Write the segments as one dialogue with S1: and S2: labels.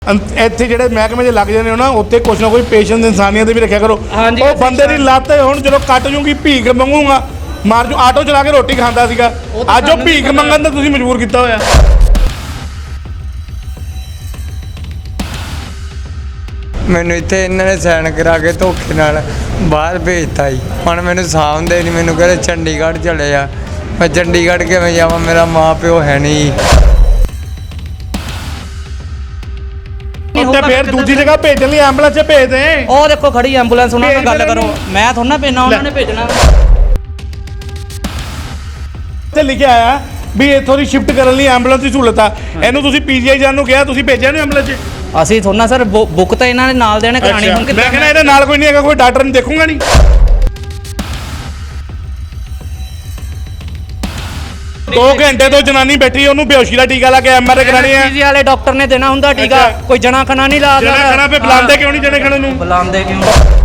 S1: ਇੱਥੇ ਜਿਹੜੇ ਮਹਿਕਮੇ 'ਚ ਲੱਗ ਜਾਂਦੇ ਹੋ ਨਾ ਉੱਥੇ ਕੁਛ ਨਾ ਕੋਈ ਪੇਸ਼ੈਂਸ ਇਨਸਾਨੀਅਤ ਵੀ ਰੱਖਿਆ ਕਰੋ। ਉਹ ਬੰਦੇ ਦੀ ਲੱਤ ਹੁਣ ਜਦੋਂ ਕੱਟ ਜੂਗੀ ਭੀਖ ਮੰਗੂਗਾ ਮਾਰ ਜੂ। ਆਟੋ ਚਲਾ ਕੇ ਰੋਟੀ ਖਾਂਦਾ ਸੀਗਾ, ਅੱਜ ਉਹ ਭੀਖ ਮੰਗਣ ਦਾ ਤੁਸੀਂ ਮਜਬੂਰ ਕੀਤਾ ਹੋਇਆ।
S2: ਮੈਨੂੰ ਇੱਥੇ ਇਹਨਾਂ ਨੇ ਸਾਈਨ ਕਰਾ ਕੇ ਧੋਖੇ ਨਾਲ ਬਾਹਰ ਭੇਜਤਾ ਜੀ। ਹੁਣ ਮੈਨੂੰ ਸਾਂਭਦੇ ਨਹੀਂ, ਮੈਨੂੰ ਕਹਿੰਦੇ ਚੰਡੀਗੜ੍ਹ ਚਲੇ ਜਾ। ਮੈਂ ਚੰਡੀਗੜ੍ਹ ਕਿਵੇਂ ਜਾਵਾਂ, ਮੇਰਾ ਮਾਂ ਪਿਓ ਹੈ ਨਹੀਂ।
S1: ਤੇ ਫਿਰ ਦੂਜੀ ਜਗ੍ਹਾ ਭੇਜਣ ਲਈ ਐਂਬੂਲੈਂਸ 'ਚ ਭੇਜ ਦੇ।
S3: ਉਹ ਦੇਖੋ ਖੜੀ ਐਂਬੂਲੈਂਸ, ਉਹਨਾਂ ਨਾਲ ਗੱਲ ਕਰੋ। ਮੈਂ ਥੋੜਾ ਨਾ ਭੇਜਣਾ, ਉਹਨਾਂ ਨੇ ਭੇਜਣਾ।
S1: ਤੇ ਲਿਖਿਆ ਆਇਆ ਵੀ ਇੱਥੋਂ ਦੀ ਸ਼ਿਫਟ ਕਰਨ ਲਈ ਐਂਬੂਲੈਂਸ ਦੀ ਸਹੂਲਤ ਆ। ਇਹਨੂੰ ਤੁਸੀਂ ਪੀਜੀਆਈ ਜਾਣ ਨੂੰ ਕਿਹਾ, ਤੁਸੀਂ ਭੇਜਿਆ ਨਹੀਂ ਐਂਬੂਲੈਂਸ 'ਚ?
S3: ਅਸੀਂ ਥੋੜਾ ਸਰ ਬੁੱਕ ਤਾਂ ਇਹਨਾਂ ਨੇ ਨਾਲ ਦੇਣੇ ਕਰਾਣੀ। ਹੁਣ
S1: ਮੈਂ ਕਹਿੰਦਾ ਇਹਦੇ ਨਾਲ ਕੋਈ ਨਹੀਂ ਹੈਗਾ, ਕੋਈ ਡਾਕਟਰ ਨਹੀਂ ਦੇਖੂਗਾ ਨਹੀਂ। 2 ਘੰਟੇ ਤੋਂ ਜਨਾਨੀ ਬੈਠੀ, ਉਹਨੂੰ ਬੇਹੋਸ਼ੀ ਦਾ ਟੀਕਾ ਲਾ ਕੇ ਐਮਆਰਆਈ ਕਰਾਣੀ ਹੈ।
S3: ਪੀਜੀ ਵਾਲੇ ਡਾਕਟਰ ਨੇ ਦੇਣਾ ਹੁੰਦਾ ਟੀਕਾ, ਕੋਈ ਜਣਾ ਖਣਾ ਨਹੀਂ ਲਾ
S1: ਜਣਾ ਖਣਾ ਪੇ ਬੁਲਾਉਂਦੇ ਕਿਉਂ ਨਹੀਂ? ਜਣੇ ਖਣੇ ਨੂੰ
S3: ਬੁਲਾਉਂਦੇ ਕਿਉਂ?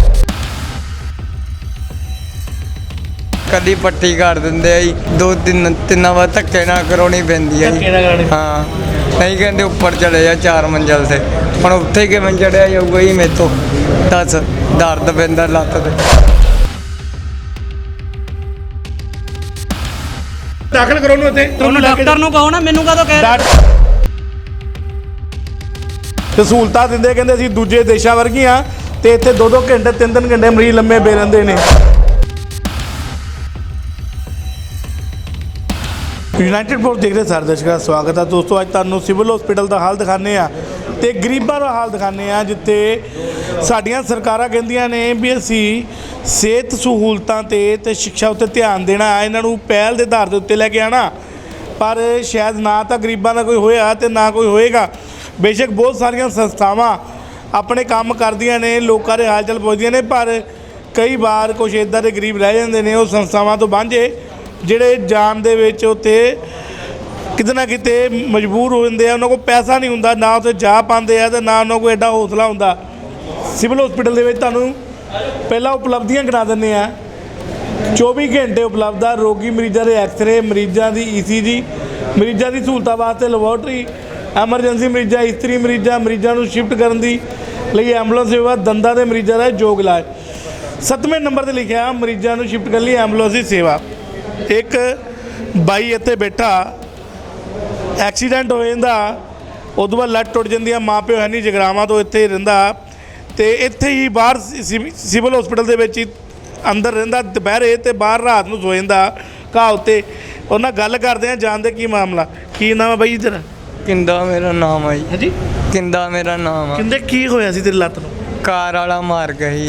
S2: ਕਦੀ ਪੱਟੀ ਕਰ ਦਿੰਦੇ ਆ ਜੀ, 2-3 ਵਾਰ ਧੱਕੇ ਨਾਲ ਕਰਾਉਣੀ ਪੈਂਦੀ ਹੈ ਜੀ। ਹਾਂ, ਨਹੀਂ ਕਹਿੰਦੇ ਉੱਪਰ ਚਲੇ ਜਾ 4 ਮੰਜ਼ਲ ਤੇ। ਹੁਣ ਉੱਥੇ ਕਿਵੇਂ ਚੜਿਆ ਜਾਊਗਾ ਜੀ ਮੇਰੇ ਤੋਂ? ਦੱਸ, ਦਰਦ ਪੈਂਦਾ ਲੱਤ ਤੇ।
S1: ਦਾਖਲ ਕਰੋ ਨੂੰ ਇੱਥੇ।
S3: ਉਹਨੂੰ ਡਾਕਟਰ ਨੂੰ ਕਹੋ ਨਾ, ਮੈਨੂੰ ਕਾਹਦੋਂ ਕਹਿ
S1: ਤੇ ਸਹੂਲਤਾਂ ਦਿੰਦੇ, ਕਹਿੰਦੇ ਅਸੀਂ ਦੂਜੇ ਦੇਸ਼ਾਂ ਵਰਗੀਆਂ, ਤੇ ਇੱਥੇ 2-2 ਘੰਟੇ 3-3 ਘੰਟੇ ਮਰੀਜ਼ ਲੰਮੇ ਪਏ ਰਹਿੰਦੇ ਨੇ। ਯੂਨਾਈਟਿਡ ਫੋਰਸ ਦੇਖ ਰਹੇ ਸਾਰੇ ਦਰਸ਼ਕਾਂ ਦਾ ਸਵਾਗਤ ਹੈ ਦੋਸਤੋ। ਅੱਜ ਤੁਹਾਨੂੰ ਸਿਵਲ ਹਸਪੀਟਲ ਦਾ ਹਾਲ ਦਿਖਾਉਂਦੇ ਆ ਤੇ ਗਰੀਬਾਂ ਦਾ ਹਾਲ ਦਿਖਾਉਂਦੇ ਆ, ਜਿੱਥੇ ਸਾਡੀਆਂ ਸਰਕਾਰਾਂ ਕਹਿੰਦੀਆਂ ਨੇ ਵੀ ਅਸੀਂ ਸਿਹਤ ਸਹੂਲਤਾਂ ਤੇ ਸਿੱਖਿਆ ਉੱਤੇ ਧਿਆਨ ਦੇਣਾ, ਇਹਨਾਂ ਨੂੰ ਪਹਿਲ ਦੇ ਆਧਾਰ ਦੇ ਉੱਤੇ ਲੈ ਕੇ ਆਉਣਾ। ਪਰ ਸ਼ਾਇਦ ਨਾ ਤਾਂ ਗਰੀਬਾਂ ਦਾ ਕੋਈ ਹੋਇਆ ਤੇ ਨਾ ਕੋਈ ਹੋਏਗਾ। ਬੇਸ਼ੱਕ ਬਹੁਤ ਸਾਰੀਆਂ ਸੰਸਥਾਵਾਂ ਆਪਣੇ ਕੰਮ ਕਰਦੀਆਂ ਨੇ, ਲੋਕਾਂ ਦੇ ਹਾਲ ਚਾਲ ਪੁੱਛਦੀਆਂ ਨੇ, ਪਰ ਕਈ ਵਾਰ ਕੁਛ ਇੱਦਾਂ ਦੇ ਗਰੀਬ ਰਹਿ ਜਾਂਦੇ ਨੇ ਉਹ ਸੰਸਥਾਵਾਂ ਤੋਂ ਵਾਂਝੇ, ਜਿਹੜੇ ਜਾਣ ਦੇ ਵਿੱਚ ਉੱਥੇ ਕਿਤੇ ਨਾ ਕਿਤੇ ਮਜਬੂਰ ਹੋ ਜਾਂਦੇ ਆ। ਉਹਨਾਂ ਕੋਲ ਪੈਸਾ ਨਹੀਂ ਹੁੰਦਾ, ਨਾ ਉੱਥੇ ਜਾ ਪਾਉਂਦੇ ਆ ਤੇ ਨਾ ਉਹਨਾਂ ਕੋਲ ਐਡਾ ਹੌਸਲਾ ਹੁੰਦਾ। ਸਿਵਲ ਹਸਪੀਟਲ ਦੇ ਵਿੱਚ ਤੁਹਾਨੂੰ ਪਹਿਲਾਂ ਉਪਲਬਧੀਆਂ ਕਰਾ ਦਿੰਦੇ ਆ। 24 ਘੰਟੇ ਉਪਲਬਧ ਆ। ਰੋਗੀ ਮਰੀਜ਼ਾਂ ਦੇ ਐਕਸਰੇ, ਮਰੀਜ਼ਾਂ ਦੀ ECG, ਮਰੀਜ਼ਾਂ ਦੀ ਸਹੂਲਤਾਂ ਵਾਸਤੇ ਲੈਬੋਰਟਰੀ, ਐਮਰਜੈਂਸੀ ਮਰੀਜ਼ਾਂ, ਇਸਤਰੀ ਮਰੀਜ਼ਾਂ ਨੂੰ ਸ਼ਿਫਟ ਕਰਨ ਦੀ ਲਈ ਐਂਬੂਲੈਂਸ ਸੇਵਾ, ਦੰਦਾਂ ਦੇ ਮਰੀਜ਼ਾਂ ਦਾ ਯੋਗ ਇਲਾਜ। 7ਵੇਂ ਨੰਬਰ 'ਤੇ ਲਿਖਿਆ ਮਰੀਜ਼ਾਂ ਨੂੰ ਸ਼ਿਫਟ ਕਰਨ ਲਈ ਐਂਬੂਲੈਂਸ ਦੀ ਸੇਵਾ। ਇੱਕ ਬਾਈ ਇੱਥੇ ਬੈਠਾ, ਐਕਸੀਡੈਂਟ ਹੋ ਜਾਂਦਾ, ਉਦੋਂ ਬਾਅਦ ਲੱਤ ਟੁੱਟ ਜਾਂਦੀ ਆ, ਮਾਂ ਪਿਓ ਹੈ ਨਹੀਂ, ਜਗਰਾਵਾਂ ਤੋਂ ਇੱਥੇ ਰਹਿੰਦਾ ਤੇ ਇੱਥੇ ਹੀ ਬਾਹਰ ਸਿਵਲ ਹਸਪੀਟਲ ਦੇ ਵਿੱਚ ਹੀ ਅੰਦਰ ਰਹਿੰਦਾ ਦੁਪਹਿਰੇ, ਤੇ ਬਾਹਰ ਰਾਤ ਨੂੰ ਸੋ ਜਾਂਦਾ ਘਾਹ ਉੱਤੇ। ਉਹਨਾਂ ਗੱਲ ਕਰਦੇ ਆ, ਜਾਣਦੇ ਕੀ ਮਾਮਲਾ। ਕੀ ਨਾਮ ਆ ਬਾਈ ਤੇਰਾ?
S2: ਕਿੰਦਾ ਮੇਰਾ ਨਾਮ ਆ ਜੀ।
S1: ਹਾਂਜੀ,
S2: ਕਿੰਦਾ ਮੇਰਾ ਨਾਮ ਆ।
S1: ਕਹਿੰਦੇ ਕੀ ਹੋਇਆ ਸੀ ਤੇਰੀ ਲੱਤ ਨੂੰ?
S2: ਕਾਰ ਵਾਲਾ ਮਾਰ ਗਿਆ ਸੀ।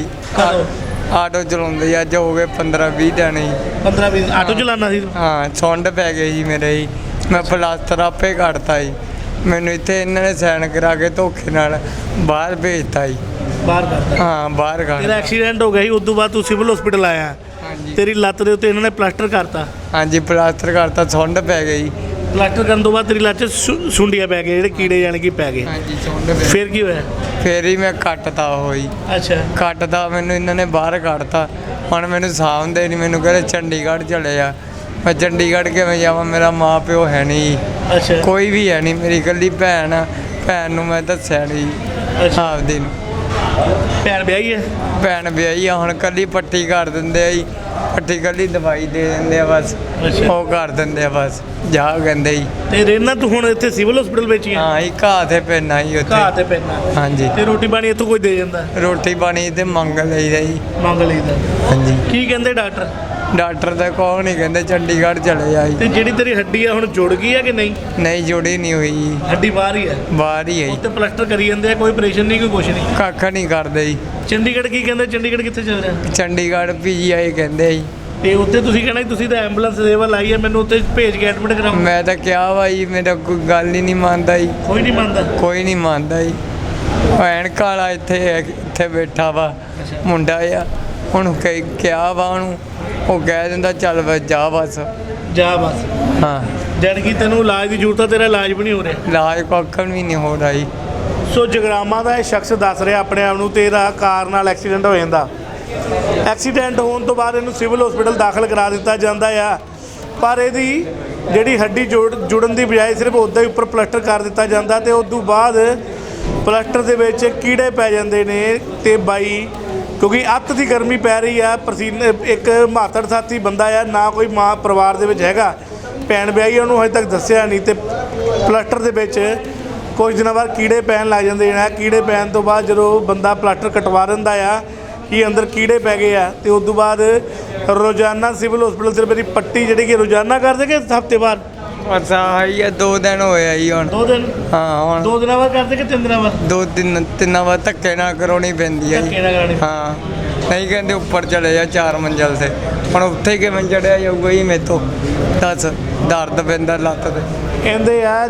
S2: ਆਟੋ ਚਲਾਉਂਦੇ ਅੱਜ ਹੋ ਗਏ 15-20 ਦਿਨ ਜੀ।
S1: 15-20 ਆਟੋ ਚਲਾਉਣਾ ਸੀ?
S2: ਹਾਂ, ਸੁੰਡ ਪੈ ਗਏ ਜੀ ਮੇਰੇ ਜੀ। ਮੈਂ ਪਲਾਸਟਰ ਆਪੇ ਕੱਢਤਾ ਜੀ। ਮੈਨੂੰ ਇੱਥੇ ਇਹਨਾਂ ਨੇ ਸਾਈਨ ਕਰਾ ਕੇ ਧੋਖੇ ਨਾਲ ਬਾਹਰ ਭੇਜਤਾ ਜੀ।
S1: ਬਾਹਰ ਕਰਤਾ?
S2: ਹਾਂ, ਬਾਹਰ
S1: ਤੇਰਾ
S2: ਕੱਢ।
S1: ਐਕਸੀਡੈਂਟ ਹੋ ਗਿਆ ਸੀ, ਉਸ ਤੋਂ ਬਾਅਦ ਤੂੰ ਸਿਵਲ ਹਸਪੀਟਲ ਆਇਆ।
S2: ਹਾਂਜੀ,
S1: ਤੇਰੀ ਲੱਤ ਦੇ ਉੱਤੇ ਇਹਨਾਂ ਨੇ ਪਲਾਸਟਰ ਕਰਤਾ?
S2: ਹਾਂਜੀ, ਪਲਾਸਟਰ ਕਰਤਾ, ਸੁੰਡ ਪੈ ਗਈ।
S1: ਪਲਾਸਟਰ ਕਰਨ ਤੋਂ ਬਾਅਦ ਤੇਰੀ ਲੱਤ 'ਚ ਸੁੰਡੀਆਂ ਪੈ ਗਏ, ਜਿਹੜੇ ਕੀੜੇ ਜਾਣ ਕੇ ਪੈ ਗਏ।
S2: ਹਾਂਜੀ, ਸੁੰਡ ਪੈ।
S1: ਫਿਰ ਕੀ ਹੋਇਆ?
S2: ਫਿਰ ਹੀ ਮੈਂ ਕੱਟਤਾ ਹੋਈ।
S1: ਅੱਛਾ,
S2: ਕੱਟਦਾ ਮੈਨੂੰ ਇਹਨਾਂ ਨੇ ਬਾਹਰ ਕੱਢਤਾ। ਹੁਣ ਮੈਨੂੰ ਸਾਂਭਦੇ ਨਹੀਂ, ਮੈਨੂੰ ਕਹਿੰਦੇ ਚੰਡੀਗੜ੍ਹ ਚਲੇ ਜਾ। ਮੈਂ ਚੰਡੀਗੜ੍ਹ ਕਿਵੇਂ ਜਾਵਾਂ, ਮੇਰਾ ਮਾਂ ਪਿਓ ਹੈ ਨਹੀਂ।
S1: ਅੱਛਾ,
S2: ਕੋਈ ਵੀ ਹੈ ਨਹੀਂ, ਮੇਰੀ ਇਕੱਲੀ ਭੈਣ ਆ। ਭੈਣ ਨੂੰ ਮੈਂ ਦੱਸਿਆ ਨਹੀਂ ਆਪਦੀ ਨੂੰ।
S1: ਭੈਣ ਵਿਆਹੀ ਹੈ?
S2: ਭੈਣ ਵਿਆਹੀ ਆ, ਹੁਣ ਕੱਲੀ ਪੱਟੀ ਕਰ ਦਿੰਦੇ ਆ ਜੀ। ਪੱਟੀ ਕੱਲੀ ਦਵਾਈ ਦੇ ਦਿੰਦੇ ਆ ਬਸ, ਉਹ ਕਰ ਦਿੰਦੇ ਆ ਬਸ, ਜਾ ਕਹਿੰਦੇ ਜੀ।
S1: ਤੇ ਰਹਿਣਾ ਤੂੰ ਹੁਣ ਇੱਥੇ ਸਿਵਲ ਹਸਪੀਟਲ ਵਿੱਚ ਹੀ ਆ?
S2: ਹਾਂ ਜੀ, ਘਾਹ ਤੇ ਪੈਣਾ ਜੀ ਉੱਥੇ।
S1: ਘਾਹ ਤੇ ਪੈਣਾ?
S2: ਹਾਂਜੀ।
S1: ਤੇ ਰੋਟੀ ਪਾਣੀ ਇੱਥੋਂ ਕੋਈ ਦੇ ਜਾਂਦਾ?
S2: ਰੋਟੀ ਪਾਣੀ ਤੇ ਮੰਗ ਲਈਦਾ ਜੀ।
S1: ਮੰਗ ਲਈਦਾ?
S2: ਹਾਂਜੀ।
S1: ਕੀ ਕਹਿੰਦੇ ਡਾਕਟਰ?
S2: ਡਾਕਟਰ ਤਾਂ ਕੋਈ ਨਹੀਂ ਕਹਿੰਦੇ, ਚੰਡੀਗੜ੍ਹ ਚਲੇ ਜਾ ਜੀ।
S1: ਤੇ ਜਿਹੜੀ ਤੇਰੀ ਹੱਡੀ ਆ ਹੁਣ ਜੁੜ ਗਈ ਆ ਕਿ ਨਹੀਂ?
S2: ਨਹੀਂ, ਜੁੜੀ ਨਹੀਂ ਹੋਈ ਜੀ,
S1: ਹੱਡੀ ਬਾਹਰ ਹੀ ਹੈ?
S2: ਬਾਹਰ ਹੀ ਹੈ ਜੀ।
S1: ਉੱਤੇ ਪਲਾਸਟਰ ਕਰੀ ਜਾਂਦੇ ਆ, ਕੋਈ ਆਪਰੇਸ਼ਨ ਨਹੀਂ, ਕੋਈ ਕੁਛ ਨਹੀਂ?
S2: ਕੱਖ ਨਹੀਂ ਕਰਦੇ ਜੀ।
S1: ਚੰਡੀਗੜ੍ਹ ਕੀ ਕਹਿੰਦੇ? ਚੰਡੀਗੜ੍ਹ ਕਿੱਥੇ ਚੱਲ ਰਿਹਾ?
S2: ਚੰਡੀਗੜ੍ਹ PGI ਕਹਿੰਦੇ ਜੀ।
S1: ਤੇ ਉੱਥੇ ਤੁਸੀਂ ਕਹਿਣਾ ਤੁਸੀਂ ਤਾਂ ਐਂਬੂਲੈਂਸ ਸੇਵਾ ਲਾਈ ਹੈ, ਮੈਨੂੰ ਉੱਥੇ ਭੇਜ ਕੇ ਐਡਮਿਟ ਕਰਾਓ।
S2: ਮੈਂ ਤਾਂ ਕਿਹਾ ਵਾ ਜੀ, ਮੇਰਾ ਕੋਈ ਗੱਲ ਹੀ ਨਹੀਂ ਮੰਨਦਾ ਜੀ।
S1: ਕੋਈ ਨਹੀਂ ਮੰਨਦਾ?
S2: ਕੋਈ ਨਹੀਂ ਮੰਨਦਾ ਜੀ। ਐਨਕ ਵਾਲਾ ਇੱਥੇ ਬੈਠਾ ਵਾ ਮੁੰਡਾ ਆ, ਉਹਨੂੰ ਕਿਹਾ ਵਾ ਉਹਨੂੰ, ਉਹ ਕਹਿ ਦਿੰਦਾ ਚੱਲ ਬਸ ਜਾ ਬਸ।
S1: ਜਾ ਬਸ?
S2: ਹਾਂ।
S1: ਜਦ ਕਿ ਤੈਨੂੰ ਇਲਾਜ ਦੀ ਜ਼ਰੂਰਤ ਆ, ਤੇਰਾ ਇਲਾਜ ਵੀ ਨਹੀਂ ਹੋ ਰਿਹਾ?
S2: ਇਲਾਜ ਕੱਖ ਵੀ ਨਹੀਂ ਹੋ ਰਿਹਾ ਜੀ।
S1: ਸੋ ਜਗਰਾਵਾਂ ਦਾ ਇਹ ਸ਼ਖਸ ਦੱਸ ਰਿਹਾ ਆਪਣੇ ਆਪ ਨੂੰ, ਤੇਰਾ ਕਾਰ ਨਾਲ ਐਕਸੀਡੈਂਟ ਹੋ ਜਾਂਦਾ। ਐਕਸੀਡੈਂਟ ਹੋਣ ਤੋਂ ਬਾਅਦ ਇਹਨੂੰ ਸਿਵਲ ਹਸਪੀਟਲ ਦਾਖਲ ਕਰਾ ਦਿੱਤਾ ਜਾਂਦਾ ਆ, ਪਰ ਇਹਦੀ ਜਿਹੜੀ ਹੱਡੀ ਜੁੜਨ ਦੀ ਬਜਾਏ ਸਿਰਫ ਉੱਦਾਂ ਹੀ ਉੱਪਰ ਪਲਾਸਟਰ ਕਰ ਦਿੱਤਾ ਜਾਂਦਾ। ਤੇ ਉਸ ਤੋਂ ਬਾਅਦ ਪਲਾਸਟਰ ਦੇ ਵਿੱਚ ਕੀੜੇ ਪੈ ਜਾਂਦੇ ਨੇ ਤੇ ਬਾਈ ਕਿਉਂਕਿ ਅੱਤ ਦੀ ਗਰਮੀ ਪੈ ਰਹੀ ਆ ਪਸੀਨੇ ਇੱਕ ਮਾਤੜ ਸਾਥੀ ਬੰਦਾ ਆ ਨਾ ਕੋਈ ਮਾਂ ਪਰਿਵਾਰ ਦੇ ਵਿੱਚ ਹੈਗਾ ਭੈਣ ਵਿਆਹੀ ਉਹਨੂੰ ਹਜੇ ਤੱਕ ਦੱਸਿਆ ਨਹੀਂ ਤੇ ਪਲਾਸਟਰ ਦੇ ਵਿੱਚ ਕੁਝ ਦਿਨਾਂ ਬਾਅਦ ਕੀੜੇ ਪੈਣ ਲੱਗ ਜਾਂਦੇ ਨੇ ਕੀੜੇ ਪੈਣ ਤੋਂ ਬਾਅਦ ਜਦੋਂ ਬੰਦਾ ਪਲਾਸਟਰ ਕਟਵਾ ਦਿੰਦਾ ਆ ਕਿ ਅੰਦਰ ਕੀੜੇ ਪੈ ਗਏ ਆ ਤੇ ਉਸ ਤੋਂ ਬਾਅਦ ਰੋਜ਼ਾਨਾ ਸਿਵਲ ਹਸਪੀਟਲ ਸਿਰਫ ਇਹਦੀ ਪੱਟੀ ਜਿਹੜੀ ਕਿ ਰੋਜ਼ਾਨਾ ਕਰਦੇ ਕਿ ਹਫਤੇ ਬਾਅਦ
S2: ਬਸ ਆਹੀ ਆ 2 ਦਿਨ ਹੋਏ ਆ ਜੀ ਹੁਣ
S1: 2 ਦਿਨ
S2: ਹਾਂ ਹੁਣ
S1: 2 ਦਿਨਾਂ ਬਾਅਦ ਕਰਦੇ ਕਿ 3 ਦਿਨਾਂ ਬਾਅਦ
S2: 2-3 ਵਾਰ ਧੱਕੇ ਨਾਲ ਕਰਾਉਣੀ ਪੈਂਦੀ ਆ ਜੀ
S1: ਧੱਕੇ ਨਾਲ ਕਰਾਉਣੀ।
S2: ਹਾਂ ਨਹੀਂ ਕਹਿੰਦੇ ਉੱਪਰ ਚਲੇ ਜਾ 4 ਮੰਜ਼ਲ ਤੇ ਹੁਣ ਉੱਥੇ ਕਿਵੇਂ ਚੜਿਆ ਜਾਊਗਾ ਜੀ ਮੇਤੋਂ ਦੱਸ ਦਰਦ ਪੈਂਦਾ ਲੱਤ ਤੇ
S1: ਕਹਿੰਦੇ ਆ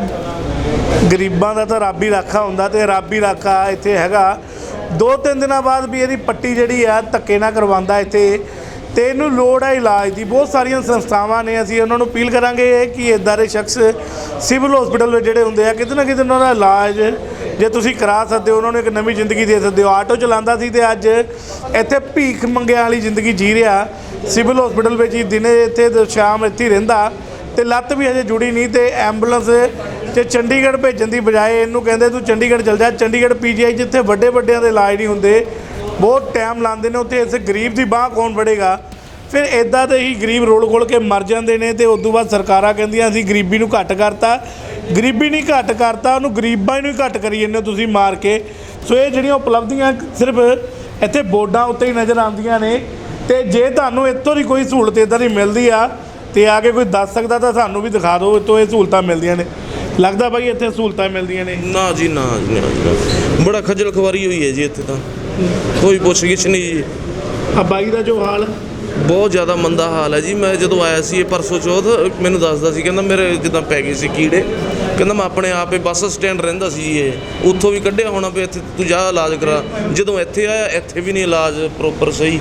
S1: ਗਰੀਬਾਂ ਦਾ ਤਾਂ ਰੱਬ ਹੀ ਰਾਖਾ ਹੁੰਦਾ ਤੇ ਰੱਬ ਹੀ ਰਾਖਾ ਇੱਥੇ ਹੈਗਾ 2-3 ਦਿਨਾਂ ਬਾਅਦ ਵੀ ਇਹਦੀ ਪੱਟੀ ਜਿਹੜੀ ਆ ਧੱਕੇ ਨਾਲ ਕਰਵਾਉਂਦਾ ਇੱਥੇ ਤੇ ਇਹਨੂੰ ਲੋੜ ਹੈ ਇਲਾਜ ਦੀ ਬਹੁਤ ਸਾਰੀਆਂ ਸੰਸਥਾਵਾਂ ਨੇ ਅਸੀਂ ਉਹਨਾਂ ਨੂੰ ਅਪੀਲ ਕਰਾਂਗੇ ਕਿ ਇੱਦਾਂ ਦੇ ਸ਼ਖਸ ਸਿਵਲ ਹਸਪੀਟਲ ਵਿੱਚ ਜਿਹੜੇ ਹੁੰਦੇ ਆ ਕਿਤੇ ਨਾ ਕਿਤੇ ਉਹਨਾਂ ਦਾ ਇਲਾਜ ਜੇ ਤੁਸੀਂ ਕਰਾ ਸਕਦੇ ਹੋ ਉਹਨਾਂ ਨੂੰ ਇੱਕ ਨਵੀਂ ਜ਼ਿੰਦਗੀ ਦੇ ਸਕਦੇ ਹੋ ਆਟੋ ਚਲਾਉਂਦਾ ਸੀ ਤੇ ਅੱਜ ਇੱਥੇ ਭੀਖ ਮੰਗਿਆਂ ਵਾਲੀ ਜ਼ਿੰਦਗੀ ਜੀ ਰਿਹਾ ਸਿਵਲ ਹਸਪੀਟਲ ਵਿੱਚ ਹੀ ਦਿਨੇ ਇੱਥੇ ਤੇ ਸ਼ਾਮ ਇੱਥੇ ਹੀ ਰਹਿੰਦਾ ਤੇ ਲੱਤ ਵੀ ਹਜੇ ਜੁੜੀ ਨਹੀਂ ਤੇ ਐਂਬੂਲੈਂਸ ਤੇ ਚੰਡੀਗੜ੍ਹ ਭੇਜਣ ਦੀ ਬਜਾਏ ਇਹਨੂੰ ਕਹਿੰਦੇ ਤੂੰ ਚੰਡੀਗੜ੍ਹ ਚਲ ਜਾ ਚੰਡੀਗੜ੍ਹ ਪੀਜੀਆਈ ਜਿੱਥੇ ਵੱਡੇ ਵੱਡਿਆਂ ਦੇ ਇਲਾਜ ਨਹੀਂ ਹੁੰਦੇ ਬਹੁਤ ਟਾਈਮ ਲਾਉਂਦੇ ਨੇ ਉੱਥੇ ਇਸ ਗਰੀਬ ਦੀ ਬਾਂਹ ਕੌਣ ਫੜੇਗਾ ਫਿਰ ਇੱਦਾਂ ਦੇ ਹੀ ਗਰੀਬ ਰੋਲ ਖੋਲ ਕੇ ਮਰ ਜਾਂਦੇ ਨੇ ਤੇ ਉਸ ਤੋਂ ਬਾਅਦ ਸਰਕਾਰਾਂ ਕਹਿੰਦੀਆਂ ਅਸੀਂ ਗਰੀਬੀ ਨੂੰ ਘੱਟ ਕਰਤਾ ਗਰੀਬੀ ਨਹੀਂ ਘੱਟ ਕਰਤਾ ਉਹਨੂੰ ਗਰੀਬਾਂ ਨੂੰ ਹੀ ਘੱਟ ਕਰੀ ਜਾਂਦੇ ਹੋ ਤੁਸੀਂ ਮਾਰ ਕੇ ਸੋ ਇਹ ਜਿਹੜੀਆਂ ਉਪਲਬਧੀਆਂ ਸਿਰਫ ਇੱਥੇ ਬੋਰਡਾਂ ਉੱਤੇ ਹੀ ਨਜ਼ਰ ਆਉਂਦੀਆਂ ਨੇ ਤੇ ਜੇ ਤੁਹਾਨੂੰ ਇੱਥੋਂ ਦੀ ਕੋਈ ਸਹੂਲਤ ਇੱਦਾਂ ਦੀ ਮਿਲਦੀ ਆ ਤੇ ਆ ਕੇ ਕੋਈ ਦੱਸ ਸਕਦਾ ਤਾਂ ਸਾਨੂੰ ਵੀ ਦਿਖਾ ਦਿਓ ਇੱਥੋਂ ਇਹ ਸਹੂਲਤਾਂ ਮਿਲਦੀਆਂ ਨੇ ਲੱਗਦਾ ਬਾਈ ਇੱਥੇ ਸਹੂਲਤਾਂ ਮਿਲਦੀਆਂ ਨੇ
S4: ਨਾ ਜੀ ਨਾ ਜੀ ਨਾ ਬੜਾ ਖੱਜਲ ਖਵਾਰੀ ਹੋਈ ਹੈ ਜੀ ਇੱਥੇ ਤਾਂ ਕੋਈ ਪੁੱਛ-ਗਿੱਛ ਨਹੀਂ ਜੀ
S1: ਆ ਬਾਈ ਦਾ ਜੋ ਹਾਲ
S4: ਬਹੁਤ ਜ਼ਿਆਦਾ ਮੰਦਾ ਹਾਲ ਹੈ ਜੀ ਮੈਂ ਜਦੋਂ ਆਇਆ ਸੀ ਇਹ ਪਰਸੋਂ ਚੌਥ ਮੈਨੂੰ ਦੱਸਦਾ ਸੀ ਕਹਿੰਦਾ ਮੇਰੇ ਜਿੱਦਾਂ ਪੈ ਗਏ ਸੀ ਕੀੜੇ ਕਹਿੰਦਾ ਮੈਂ ਆਪਣੇ ਆਪ ਹੀ ਬੱਸ ਸਟੈਂਡ ਰਹਿੰਦਾ ਸੀ ਜੀ ਇਹ ਉੱਥੋਂ ਵੀ ਕੱਢਿਆ ਹੋਣਾ ਵੀ ਇੱਥੇ ਤੂੰ ਜਾ ਇਲਾਜ ਕਰਾ ਜਦੋਂ ਇੱਥੇ ਆਇਆ ਇੱਥੇ ਵੀ ਨਹੀਂ ਇਲਾਜ ਪ੍ਰੋਪਰ ਸਹੀ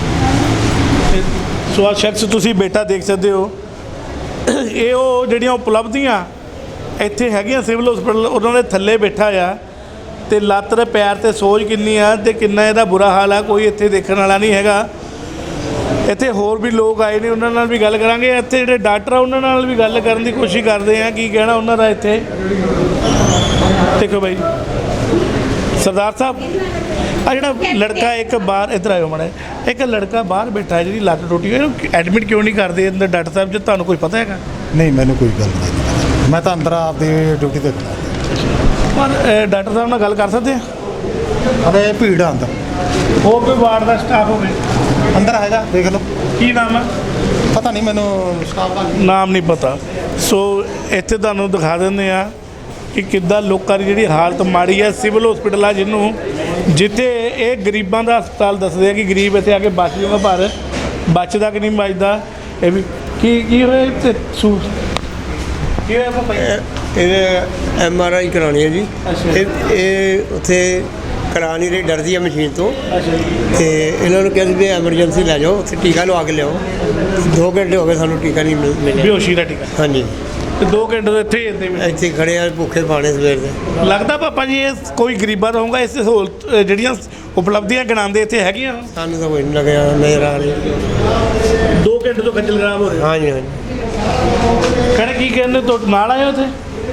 S1: ਸੋ ਆਹ ਸ਼ਖਸ ਤੁਸੀਂ ਬੇਟਾ ਦੇਖ ਸਕਦੇ ਹੋ ਇਹ ਉਹ ਜਿਹੜੀਆਂ ਉਪਲਬਧੀਆਂ ਇੱਥੇ ਹੈਗੀਆਂ ਸਿਵਲ ਹਸਪੀਟਲ ਉਹਨਾਂ ਦੇ ਥੱਲੇ ਬੈਠਾ ਆ ਤੇ ਲੱਤ ਦੇ ਪੈਰ ਤੇ ਸੋਜ ਕਿੰਨੀ ਆ ਤੇ ਕਿੰਨਾ ਇਹਦਾ ਬੁਰਾ ਹਾਲ ਆ ਕੋਈ ਇੱਥੇ ਦੇਖਣ ਵਾਲਾ ਨਹੀਂ ਹੈਗਾ ਇੱਥੇ ਹੋਰ ਵੀ ਲੋਕ ਆਏ ਨੇ ਉਹਨਾਂ ਨਾਲ ਵੀ ਗੱਲ ਕਰਾਂਗੇ ਇੱਥੇ ਜਿਹੜੇ ਡਾਕਟਰ ਆ ਉਹਨਾਂ ਨਾਲ ਵੀ ਗੱਲ ਕਰਨ ਦੀ ਕੋਸ਼ਿਸ਼ ਕਰਦੇ ਆ ਕੀ ਕਹਿਣਾ ਉਹਨਾਂ ਦਾ ਇੱਥੇ ਦੇਖੋ ਬਾਈ ਸਰਦਾਰ ਸਾਹਿਬ ਆ ਜਿਹੜਾ ਲੜਕਾ ਇੱਕ ਬਾਹਰ ਇੱਧਰ ਆਇਓ ਮਾੜਾ ਇੱਕ ਲੜਕਾ ਬਾਹਰ ਬੈਠਾ ਹੈ ਜਿਹਦੀ ਲੱਤ ਟੁੱਟੀ ਇਹਨੂੰ ਐਡਮਿਟ ਕਿਉਂ ਨਹੀਂ ਕਰਦੇ ਅੰਦਰ ਡਾਕਟਰ ਸਾਹਿਬ ਜੇ ਤੁਹਾਨੂੰ ਕੋਈ ਪਤਾ ਹੈਗਾ
S5: ਨਹੀਂ ਮੈਨੂੰ ਕੋਈ ਗੱਲ ਨਹੀਂ ਮੈਂ ਤਾਂ ਅੰਦਰ ਆਪਦੀ ਡਿਊਟੀ ਤੇ ਖੜਾ
S1: ਪਰ ਡਾਕਟਰ ਸਾਹਿਬ ਨਾਲ ਗੱਲ ਕਰ ਸਕਦੇ ਆ
S5: ਅਰੇ ਭੀੜ ਆ ਅੰਦਰ
S1: ਹੋਰ ਕੋਈ ਵਾਰਡ ਦਾ ਸਟਾਫ ਹੋਵੇ
S5: ਅੰਦਰ ਹੈਗਾ ਦੇਖ ਲਓ
S1: ਕੀ ਨਾਮ ਆ
S5: ਪਤਾ ਨਹੀਂ ਮੈਨੂੰ ਸਟਾਫ ਦਾ
S1: ਨਾਮ ਨਹੀਂ ਪਤਾ ਸੋ ਇੱਥੇ ਤੁਹਾਨੂੰ ਦਿਖਾ ਦਿੰਦੇ ਆ ਕਿ ਕਿੱਦਾਂ ਲੋਕਾਂ ਦੀ ਜਿਹੜੀ ਹਾਲਤ ਮਾੜੀ ਹੈ ਸਿਵਲ ਹਸਪੀਟਲ ਆ ਜਿਹਨੂੰ ਜਿੱਥੇ ਇਹ ਗਰੀਬਾਂ ਦਾ ਹਸਪਤਾਲ ਦੱਸਦੇ ਆ ਕਿ ਗਰੀਬ ਇੱਥੇ ਆ ਕੇ ਬਚ ਜਾਊਗਾ ਪਰ ਬਚਦਾ ਕਿ ਨਹੀਂ ਬਚਦਾ ਇਹ ਵੀ ਕੀ ਹੋਇਆ ਇੱਥੇ ਕੀ ਹੋਇਆ ਭਾਈ
S6: ਇਹਨੇ MRI ਕਰਾਉਣੀ ਹੈ ਜੀ
S1: ਅੱਛਾ।
S6: ਇਹ ਉੱਥੇ ਕਰਾ ਨਹੀਂ ਰਹੀ ਡਰਦੀ ਹੈ ਮਸ਼ੀਨ ਤੋਂ
S1: ਅੱਛਾ ਜੀ
S6: ਤੇ ਇਹਨਾਂ ਨੂੰ ਕਹਿੰਦੇ ਵੀ ਐਮਰਜੈਂਸੀ ਲੈ ਜਾਓ ਉੱਥੇ ਟੀਕਾ ਲਵਾ ਕੇ ਲਿਆਓ 2 ਘੰਟੇ ਹੋ ਗਏ ਸਾਨੂੰ ਟੀਕਾ ਨਹੀਂ ਮਿਲਿਆ
S1: ਬੇਹੋਸ਼ੀ ਦਾ ਟੀਕਾ
S6: ਹਾਂਜੀ
S1: ਤੇ 2 ਘੰਟੇ ਤੋਂ ਇੱਥੇ ਹੀ ਇੱਦਾਂ ਹੀ
S6: ਇੱਥੇ ਖੜੇ ਆ ਭੁੱਖੇ ਪਾਣੇ ਸਵੇਰ ਦੇ
S1: ਲੱਗਦਾ ਪਾਪਾ ਜੀ ਇਹ ਕੋਈ ਗਰੀਬਾਂ ਦਾ ਹੋਊਗਾ ਇਸ ਸਹੂਲਤ ਜਿਹੜੀਆਂ ਉਪਲਬਧੀਆਂ ਗਿਣਾਉਂਦੇ ਇੱਥੇ ਹੈਗੀਆਂ
S6: ਸਾਨੂੰ ਤਾਂ ਕੋਈ ਨਹੀਂ ਲੱਗਿਆ ਨਜ਼ਰ ਆ ਰਹੀ
S1: 2 ਘੰਟੇ ਤੋਂ ਖੱਜਲ ਖਰਾਬ ਹੋ ਰਹੇ
S6: ਹਾਂਜੀ ਹਾਂਜੀ
S1: ਕਹਿੰਦੇ ਕੀ ਕਹਿੰਦੇ ਤੋਂ ਨਾਲ ਆਏ ਉੱਥੇ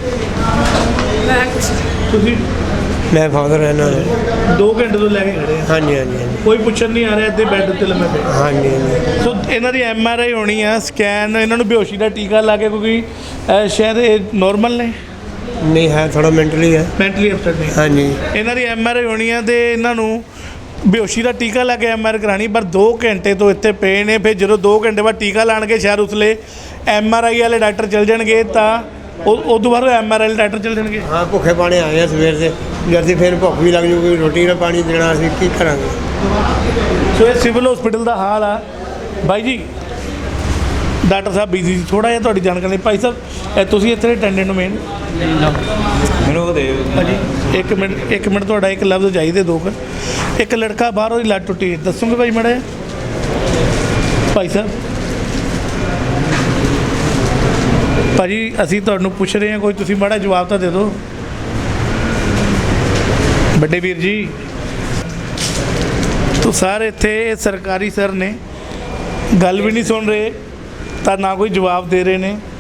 S1: ਤੁਸੀਂ
S6: ਮੈਂ ਫਾਦਰ ਹਾਂ ਇਹਨਾਂ ਦੇ
S1: 2 ਘੰਟੇ ਤੋਂ ਲੈ ਕੇ ਖੜੇ ਆ
S6: ਹਾਂਜੀ ਹਾਂਜੀ ਹਾਂਜੀ
S1: ਕੋਈ ਪੁੱਛਣ ਨਹੀਂ ਆ ਰਿਹਾ ਇੱਥੇ ਬੈੱਡ ਤੇ ਲੰਮੇ ਪਏ
S6: ਹਾਂਜੀ ਹਾਂਜੀ
S1: ਸੋ ਇਹਨਾਂ ਦੀ MRI ਹੋਣੀ ਆ ਸਕੈਨ ਇਹਨਾਂ ਨੂੰ ਬੇਹੋਸ਼ੀ ਦਾ ਟੀਕਾ ਲਾ ਕੇ ਕਿਉਂਕਿ ਸ਼ਾਇਦ ਇਹ ਨੋਰਮਲ ਨੇ
S6: ਨਹੀਂ ਹੈ ਥੋੜਾ ਮੈਂਟਲੀ ਹੈ
S1: ਮੈਂਟਲੀ ਅਪਸੈਟ ਨੇ
S6: ਹਾਂਜੀ
S1: ਇਹਨਾਂ ਦੀ MRI ਹੋਣੀ ਆ ਤੇ ਇਹਨਾਂ ਨੂੰ ਬੇਹੋਸ਼ੀ ਦਾ ਟੀਕਾ ਲਾ ਕੇ MRI ਕਰਾਣੀ ਪਰ 2 ਘੰਟੇ ਤੋਂ ਇੱਥੇ ਪਏ ਨੇ ਫਿਰ ਜਦੋਂ 2 ਘੰਟੇ ਬਾਅਦ ਟੀਕਾ ਲਾਣਗੇ ਸ਼ਾਇਦ ਉਸਲੇ MRI ਵਾਲੇ ਡਾਕਟਰ ਚਲ ਜਾਣਗੇ ਤਾਂ ਉਹ ਤੋਂ ਬਾਅਦ MRI ਵਾਲੇ ਡਾਕਟਰ ਚਲ ਜਾਣਗੇ
S6: ਹਾਂ ਭੁੱਖੇ ਪਾਣੇ ਆਏ ਆ ਸਵੇਰ ਦੇ ਜਦ ਫਿਰ ਭੁੱਖ ਵੀ ਲੱਗ ਜੂਗੀ ਰੋਟੀ ਦਾ ਪਾਣੀ ਦੇਣਾ ਅਸੀਂ ਕੀ ਕਰਾਂਗੇ
S1: ਸੋ ਇਹ ਸਿਵਲ ਹਸਪੀਟਲ ਦਾ ਹਾਲ ਆ ਬਾਈ ਜੀ ਡਾਕਟਰ ਸਾਹਿਬ ਬਿਜ਼ੀ ਸੀ ਥੋੜਾ ਜਿਹਾ ਤੁਹਾਡੀ ਜਾਣਕਾਰੀ ਭਾਈ ਸਾਹਿਬ ਤੁਸੀਂ ਇੱਥੇ ਅਟੈਂਡੈਂਟ ਨੂੰ ਮੇਨ
S3: ਮੈਨੂੰ ਉਹ ਦੇ
S1: ਹਾਂਜੀ ਇੱਕ ਮਿੰਟ ਤੁਹਾਡਾ ਇੱਕ ਲਫ਼ਜ਼ ਚਾਹੀਦੇ 2 ਇੱਕ ਲੜਕਾ ਬਾਹਰ ਉਹਦੀ ਲੱਤ ਟੁੱਟੀ ਦੱਸੋਗੇ ਭਾਈ ਮਾੜਾ ਜਿਹਾ ਭਾਈ ਸਾਹਿਬ ਭਾਜੀ ਅਸੀਂ ਤੁਹਾਨੂੰ ਪੁੱਛ ਰਹੇ ਹਾਂ ਕੋਈ ਤੁਸੀਂ ਮਾੜਾ ਜਵਾਬ ਤਾਂ ਦੇ ਦਿਓ ਵੱਡੇ ਵੀਰ ਜੀ ਤੋ ਸਾਰੇ ਇੱਥੇ ਸਰਕਾਰੀ ਸਰ ਨੇ ਗੱਲ ਵੀ ਨਹੀਂ ਸੁਣ ਰਹੇ ਤਾਂ ਨਾ ਕੋਈ ਜਵਾਬ ਦੇ ਰਹੇ ਨੇ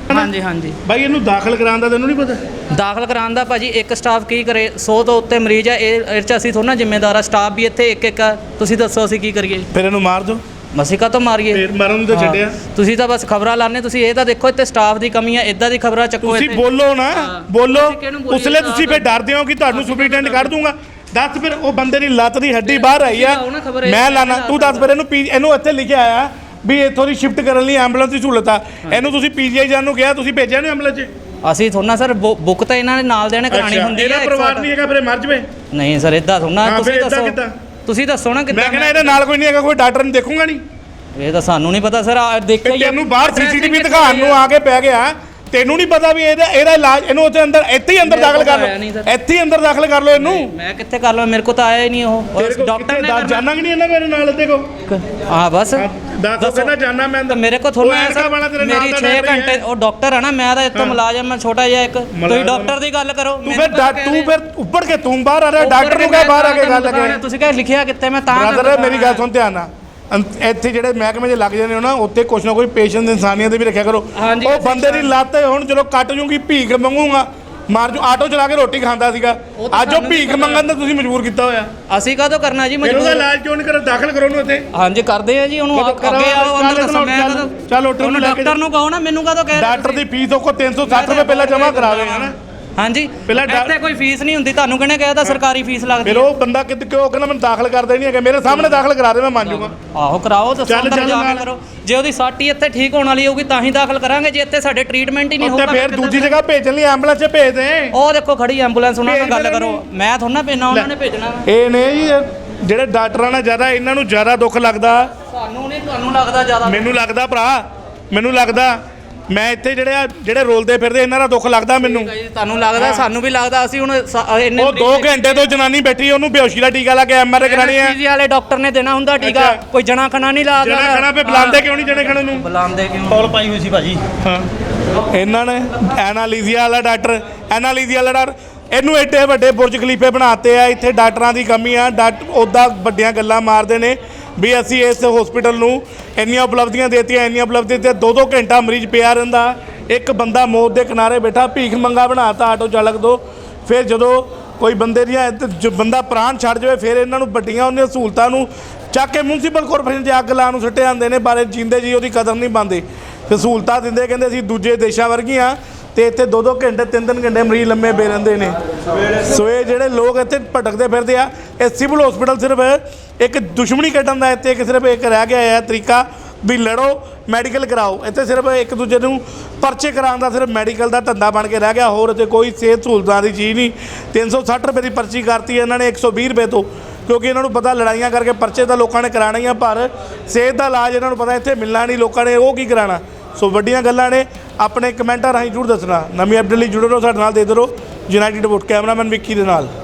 S3: ਹਾਂਜੀ ਹਾਂਜੀ
S1: ਬਾਈ ਇਹਨੂੰ ਦਾਖਲ ਕਰਾਉਣ ਦਾ ਤੈਨੂੰ ਨਹੀਂ ਪਤਾ?
S3: ਦਾਖਲ ਕਰਾਉਣ ਦਾ ਭਾਜੀ ਇੱਕ ਸਟਾਫ ਕੀ ਕਰੇ 100 ਤੋਂ ਉੱਤੇ ਮਰੀਜ਼ ਆ ਇਹ 'ਚ ਅਸੀਂ ਥੋੜਾ ਜ਼ਿੰਮੇਦਾਰ ਆ ਸਟਾਫ ਵੀ ਇੱਥੇ ਇੱਕ ਆ ਤੁਸੀਂ ਦੱਸੋ ਅਸੀਂ ਕੀ ਕਰੀਏ
S1: ਫਿਰ ਇਹਨੂੰ ਮਾਰ ਦਿਓ।
S3: ਮਸੀਕਾ ਤੋਂ ਮਾਰੀਏ
S1: ਫਿਰ ਮਾਰਨ ਨੂੰ ਤਾਂ
S3: ਹਾਂ।
S1: ਛੱਡਿਆ।
S3: ਤੁਸੀਂ ਤਾਂ ਬਸ ਖਬਰਾਂ ਲਾਣੇ ਤੁਸੀਂ ਇਹ ਤਾਂ ਦੇਖੋ ਇੱਥੇ ਸਟਾਫ ਦੀ ਕਮੀ ਆ ਇਦਾਂ ਦੀ ਖਬਰਾਂ ਚੱਕੋ
S1: ਤੁਸੀਂ
S3: ਇੱਥੇ।
S1: ਬੋਲੋ ਨਾ
S3: ਹਾਂ।
S1: ਬੋਲੋ
S3: ਤੁਸੀਂ ਕਿਹਨੂੰ ਬੋਲੀਏ?
S1: ਉਸਲੇ ਤੁਸੀਂ ਫਿਰ ਡਰਦੇ ਹੋ ਕਿ ਤੁਹਾਨੂੰ ਸੁਪਰੀਟੈਂਡੈਂਟ ਕੱਢ ਦੂੰਗਾ। ਦੱਸ ਫਿਰ ਉਹ ਬੰਦੇ ਦੀ ਲੱਤ ਦੀ ਹੱਡੀ ਬਾਹਰ ਆਈ ਆ,
S3: ਲਾਓ ਨਾ ਖਬਰ ਇਹ।
S1: ਮੈਂ ਲਾਣਾ ਤੂੰ ਦੱਸ ਫਿਰ ਇਹਨੂੰ ਇੱਥੇ ਲਿਖਿਆ ਆ ਵੀ ਇੱਥੋਂ ਦੀ ਸ਼ਿਫਟ ਕਰਨ ਲਈ ਐਂਬੂਲੈਂਸ ਦੀ ਸਹੂਲਤ ਆ। ਇਹਨੂੰ ਤੁਸੀਂ ਪੀਜੀਆਈ ਜਾਣ ਨੂੰ ਕਿਹਾ, ਤੁਸੀਂ ਭੇਜਿਆ ਨਹੀਂ ਐਂਬੂਲੈਂਸ 'ਚ?
S3: ਅਸੀਂ ਥੋੜਾ ਸਰ ਬੁੱਕ ਤਾਂ ਇਹਨਾਂ ਦੇ ਨਾਲ ਦੇਣੇ ਕਰਾਣੀ ਹੁੰਦੀ
S1: ਇਹਦਾ
S3: ਹੈ
S1: ਪਰਿਵਾਰ ਨਹੀਂ ਹੈਗਾ ਫਿਰ ਇਹ ਮਰ ਜਵੇ।
S3: ਨਹੀਂ ਸਰ ਇਦਾਂ ਥੋੜਾ
S1: ਹਾਂ,
S3: ਤੁਸੀਂ
S1: ਫਿਰ ਏਦਾਂ
S3: ਦੱਸੋ
S1: ਕਿੱਦਾਂ?
S3: ਤੁਸੀਂ ਦੱਸੋ ਨਾ ਕਿੱਦਾਂ
S1: ਮੈਂ ਕਹਿੰਦਾ ਇਹਦੇ ਨਾਲ ਕੋਈ ਨਹੀਂ ਹੈਗਾ, ਕੋਈ ਡਾਕਟਰ ਨਹੀਂ ਦੇਖੂਗਾ ਨਹੀਂ।
S3: ਇਹ ਤਾਂ ਸਾਨੂੰ ਨਹੀਂ ਪਤਾ ਸਰ ਦੇਖਿਆ ਹੀ ਆ।
S1: ਤੈਨੂੰ ਬਾਹਰ ਸੀਸੀਟੀਵੀ ਦਿਖਾਉਣ ਨੂੰ ਆ ਕੇ ਪੈ ਗਿਆ, ਤੈਨੂੰ ਨਹੀਂ ਪਤਾ ਵੀ ਇਹਦਾ ਇਲਾਜ ਇਹਨੂੰ ਉੱਥੇ ਅੰਦਰ ਇੱਥੇ ਹੀ ਅੰਦਰ
S3: ਮੇਰੇ
S1: ਦਾਖਲ
S3: ਕੋਲ
S1: ਕਰ
S3: ਆਇਆ ਨਹੀਂ
S1: ਲਓ,
S3: ਸਰ।
S1: ਇੱਥੇ ਹੀ ਅੰਦਰ ਦਾਖਲ ਕਰ ਲਓ ਇਹਨੂੰ।
S3: ਮੈਂ ਕਿੱਥੇ ਕਰ ਲਵਾਂ ਮੇਰੇ ਕੋ ਤਾਂ ਆਇਆ ਹੀ ਨਹੀਂ ਉਹ ਡਾਕਟਰ ਨੇ
S1: ਜਾਣਾ ਕਿ ਨਹੀਂ ਇਹਨਾਂ ਮੇਰੇ ਨਾਲ ਦੇਖੋ
S3: ਹਾਂ ਬਸ
S1: ਦੱਸੋ ਕਹਿੰਦਾ ਜਾਣਾ ਮੈਂ
S3: ਤਾਂ ਮੇਰੇ ਕੋ ਥੋੜਾ ਮੇਰੀ 6 ਘੰਟੇ ਉਹ ਡਾਕਟਰ ਹੈ ਨਾ ਮੈਂ ਤਾਂ ਇੱਥੋਂ ਮੁਲਾਜ਼ਮ ਮੈਂ ਛੋਟਾ ਜਿਹਾ ਇੱਕ ਤੁਸੀਂ ਡਾਕਟਰ ਦੀ ਗੱਲ ਕਰੋ
S1: ਤੂੰ ਫਿਰ ਉੱਪਰ ਕੇ ਤੂੰ ਬਾਹਰ ਆ ਰਿਹਾ ਡਾਕਟਰ ਨੂੰ ਕਹੇ ਬਾਹਰ ਆ ਕੇ ਗੱਲ ਕਰੇ।
S3: ਤੁਸੀਂ ਕਹੇ ਲਿਖਿਆ ਕਿੱਥੇ ਮੈਂ ਤਾਂ
S1: ਬ੍ਰਦਰ ਮੇਰੀ ਗੱਲ ਸੁਣ ਧਿਆਨ ਨਾਲ ਇੱਥੇ ਜਿਹੜੇ ਮਹਿਕਮੇ 'ਚ ਲੱਗ ਜਾਂਦੇ ਹੋ ਨਾ ਉੱਥੇ ਕੁਛ ਨਾ ਕੋਈ ਪੇਸ਼ੈਂਟ ਇਨਸਾਨੀਅਤ ਵੀ ਰੱਖਿਆ ਕਰੋ।
S3: ਹਾਂਜੀ,
S1: ਉਹ ਬੰਦੇ ਦੀ ਲੱਤ ਹੁਣ ਜਦੋਂ ਕੱਟ ਜੂਗੀ ਭੀਖ ਮੰਗੂਗਾ ਮਾਰ ਜੂ ਆਟੋ ਚਲਾ ਕੇ ਰੋਟੀ ਖਾਂਦਾ ਸੀਗਾ, ਅੱਜ ਉਹ ਭੀਖ ਮੰਗਣ ਦਾ ਤੁਸੀਂ ਮਜਬੂਰ ਕੀਤਾ ਹੋਇਆ।
S3: ਅਸੀਂ ਕਾਹਤੋਂ ਕਰਨਾ ਜੀ
S1: ਫਿਰ ਉਹਦਾ
S3: ਮਜਬੂਰ
S1: ਇਲਾਜ ਕਿਉਂ ਨਹੀਂ ਕਰੋ? ਦਾਖਲ ਕਰੋ ਉਹਨੂੰ ਇੱਥੇ।
S3: ਹਾਂਜੀ ਕਰਦੇ ਆ ਜੀ ਉਹਨੂੰ ਅੱਗੇ ਆਓ ਉਹਨੂੰ ਦੱਸੋ ਮੈਂ
S1: ਚੱਲ ਉੱਠ ਉਹਨੂੰ ਲੈ ਕੇ
S3: ਡਾਕਟਰ ਨੂੰ ਕਹੋ ਨਾ ਮੈਨੂੰ ਕਾਹਤੋਂ ਕਹਿ ਰਹੇ
S1: ਡਾਕਟਰ ਦੀ ਫੀਸ ਉਹ ਕੋ 360 ਰੁਪਏ ਪਹਿਲਾਂ ਜਮ੍ਹਾਂ ਕਰਾਵੇ ਹਨਾ।
S3: ਹਾਂਜੀ
S1: ਪਹਿਲਾਂ
S3: ਇੱਥੇ ਕੋਈ ਫੀਸ ਨਹੀਂ ਹੁੰਦੀ ਤੁਹਾਨੂੰ ਕਿਹਨੇ ਕਿਹਾ ਤਾਂ ਸਰਕਾਰੀ ਫੀਸ ਲੱਗਦੀ
S1: ਫਿਰ ਉਹ ਬੰਦਾ ਕਿਉਂ ਕਹਿੰਦਾ ਮੈਨੂੰ ਦਾਖਲ ਕਰਦੇ ਨਹੀਂ ਹੈਗੇ, ਮੇਰੇ ਸਾਹਮਣੇ ਦਾਖਲ ਕਰਾ ਦੇ ਮੈਂ ਮੰਨ ਜੂਗਾ।
S3: ਆਹੋ ਕਰਾਓ ਦੱਸੋ
S1: ਚੱਲ
S3: ਅੰਦਰ ਜਾ
S1: ਨਾਲ।
S3: ਕੇ ਕਰੋ ਜੇ ਉਹਦੀ ਸੱਟ ਹੀ ਇੱਥੇ ਠੀਕ ਹੋਣ ਵਾਲੀ ਹੋਊਗੀ ਤਾਂ ਹੀ ਦਾਖਲ ਕਰਾਂਗੇ ਜੇ ਇੱਥੇ ਸਾਡੇ ਟ੍ਰੀਟਮੈਂਟ ਹੀ ਨਹੀਂ
S1: ਉੱਥੇ
S3: ਹੋਊਗਾ
S1: ਫਿਰ ਦੂਜੀ ਜਗ੍ਹਾ ਭੇਜਣ ਲਈ ਐਂਬੂਲੈਂਸ 'ਚ ਭੇਜ ਦੇ।
S3: ਉਹ ਦੇਖੋ ਖੜੀ ਐਂਬੂਲੈਂਸ ਉਹਨਾਂ ਨਾਲ
S1: ਭੇਜ
S3: ਗੱਲ
S1: ਦੇਣਾ
S3: ਕਰੋ
S1: ਨਹੀਂ।
S3: ਮੈਂ ਥੋੜਾ ਭੇਜਣਾ ਉਹਨਾਂ ਨੇ ਭੇਜਣਾ ਵਾ।
S1: ਇਹ ਨੇ ਜੀ ਜਿਹੜੇ ਡਾਕਟਰਾਂ ਨਾਲ ਜ਼ਿਆਦਾ ਇਹਨਾਂ ਨੂੰ ਜ਼ਿਆਦਾ ਦੁੱਖ ਲੱਗਦਾ।
S3: ਸਾਨੂੰ ਨਹੀਂ ਤੁਹਾਨੂੰ ਲੱਗਦਾ ਜ਼ਿਆਦਾ
S1: ਮੈਨੂੰ ਲੱਗਦਾ ਭਰਾ, ਮੈਨੂੰ ਲੱਗਦਾ ਮੈਂ ਇੱਥੇ ਜਿਹੜੇ ਰੋਲਦੇ ਫਿਰਦੇ ਇਹਨਾਂ ਦਾ ਦੁੱਖ ਲੱਗਦਾ ਮੈਨੂੰ।
S3: ਤੁਹਾਨੂੰ ਲੱਗਦਾ ਸਾਨੂੰ ਵੀ ਲੱਗਦਾ ਅਸੀਂ ਹੁਣ ਇੰਨੇ
S1: ਉਹ 2 ਘੰਟੇ ਤੋਂ ਜਨਾਨੀ ਬੈਠੀ ਉਹਨੂੰ ਬੇਹੋਸ਼ੀ ਦਾ ਟੀਕਾ ਲਾ ਕੇ ਐਮਆਰਆਈ ਕਰਾਣੀ ਹੈ।
S3: ਪੀਜੀ ਵਾਲੇ ਡਾਕਟਰ ਨੇ ਦੇਣਾ ਹੁੰਦਾ ਟੀਕਾ
S1: ਅੱਛਾ।
S3: ਕੋਈ ਜਣਾ ਖਣਾ ਨਹੀਂ ਲਾਦਾ
S1: ਜਣਾ ਖਣਾ ਪੇ ਬੁਲਾਉਂਦੇ ਕਿਉਂ ਨਹੀਂ ਜਣੇ ਖਣੇ ਨੂੰ?
S3: ਬੁਲਾਉਂਦੇ ਕਿਉਂ
S6: ਕਾਲ ਪਾਈ ਹੋਈ ਸੀ ਭਾਜੀ।
S1: ਹਾਂ ਇਹਨਾਂ ਨੇ ਐਨਾਲੀਜ਼ੀਆ ਵਾਲਾ ਡਾਕਟਰ ਇਹਨੂੰ ਏਡੇ ਵੱਡੇ ਬੁਰਜ ਖਲੀਫੇ ਬਣਾਤੇ ਆ। ਇੱਥੇ ਡਾਕਟਰਾਂ ਦੀ ਕਮੀ ਆ। ਡਾਕਟਰ ਉੱਦਾਂ ਵੱਡੀਆਂ ਗੱਲਾਂ ਮਾਰਦੇ ਨੇ ਵੀ ਅਸੀਂ ਇਸ ਹਸਪੀਟਲ ਨੂੰ ਇੰਨੀਆਂ ਉਪਲਬਧੀਆਂ ਦੇਤੀਆਂ, ਇੰਨੀਆਂ ਉਪਲਬਧੀਆਂ ਤੇ 2-2 ਘੰਟਾ ਮਰੀਜ਼ ਪਿਆ ਰਹਿੰਦਾ। ਇੱਕ ਬੰਦਾ ਮੌਤ ਦੇ ਕਿਨਾਰੇ ਬੈਠਾ ਭੀਖ ਮੰਗਾ ਬਣਾਤਾ ਆਟੋ ਚਾਲਕ ਤੋਂ। ਫਿਰ ਜਦੋਂ ਕੋਈ ਬੰਦੇ ਦੀਆਂ ਬੰਦਾ ਪ੍ਰਾਣ ਛੱਡ ਜਾਵੇ ਫਿਰ ਇਹਨਾਂ ਨੂੰ ਵੱਡੀਆਂ ਉਹਨੀਆਂ ਸਹੂਲਤਾਂ ਨੂੰ ਚੱਕ ਕੇ ਮਿਊਨਸੀਪਲ ਕਾਰਪੋਰੇਸ਼ਨ 'ਚ ਅੱਗ ਲਾਉਣ ਨੂੰ ਸੁੱਟੇ ਜਾਂਦੇ ਨੇ। ਬਾਰੇ ਜੀਂਦੇ ਜੀ ਉਹਦੀ ਕਦਰ ਨਹੀਂ ਪਾਉਂਦੇ ਤੇ ਸਹੂਲਤਾਂ ਦਿੰਦੇ ਕਹਿੰਦੇ ਅਸੀਂ ਦੂਜੇ ਦੇਸ਼ਾਂ ਵਰਗੀਆਂ ਤੇ ਇੱਥੇ 2-2 ਘੰਟੇ 3-3 ਘੰਟੇ ਮਰੀਜ਼ ਲੰਮੇ ਪਏ ਰਹਿੰਦੇ ਨੇ। ਸੋ ਇਹ ਜਿਹੜੇ ਲੋਕ ਇੱਥੇ ਭਟਕਦੇ ਫਿਰਦੇ ਆ ਇਹ ਸਿਵਲ ਹਸਪੀਟਲ ਸਿਰਫ ਇੱਕ ਦੁਸ਼ਮਣੀ ਕੱਢਣ ਦਾ ਇੱਥੇ ਸਿਰਫ ਇੱਕ ਰਹਿ ਗਿਆ ਹੈ ਤਰੀਕਾ ਵੀ ਲੜੋ ਮੈਡੀਕਲ ਕਰਾਓ। ਇੱਥੇ ਸਿਰਫ ਇੱਕ ਦੂਜੇ ਨੂੰ ਪਰਚੇ ਕਰਾਉਣ ਦਾ ਸਿਰਫ ਮੈਡੀਕਲ ਦਾ ਧੰਦਾ ਬਣ ਕੇ ਰਹਿ ਗਿਆ। ਹੋਰ ਇੱਥੇ ਕੋਈ ਸਿਹਤ ਸਹੂਲਤਾਂ ਦੀ ਚੀਜ਼ ਨਹੀਂ। 360 ਰੁਪਏ ਦੀ ਪਰਚੀ ਕਰਤੀ ਇਹਨਾਂ ਨੇ 120 ਰੁਪਏ ਤੋਂ, ਕਿਉਂਕਿ ਇਹਨਾਂ ਨੂੰ ਪਤਾ ਲੜਾਈਆਂ ਕਰਕੇ ਪਰਚੇ ਤਾਂ ਲੋਕਾਂ ਨੇ ਕਰਾਉਣੇ ਹੀ ਆ ਪਰ ਸਿਹਤ ਦਾ ਇਲਾਜ ਇਹਨਾਂ ਨੂੰ ਪਤਾ ਇੱਥੇ ਮਿਲਣਾ ਨਹੀਂ। ਲੋਕਾਂ ਨੇ ਉਹ ਕੀ ਕਰਾਉਣਾ। ਸੋ ਵੱਡੀਆਂ ਗੱਲਾਂ ਨੇ। ਆਪਣੇ ਕਮੈਂਟਾਂ ਰਾਹੀਂ ਜ਼ਰੂਰ ਦੱਸਣਾ। ਨਵੀਂ ਅਪਡੇਟ ਲਈ ਜੁੜੇ ਰਹੋ ਸਾਡੇ ਨਾਲ। ਦੇ ਦਿਓ ਯੂਨਾਈਟਿਡ ਵੋਟ। ਕੈਮਰਾਮੈਨ ਵਿੱਕੀ ਦੇ ਨਾਲ।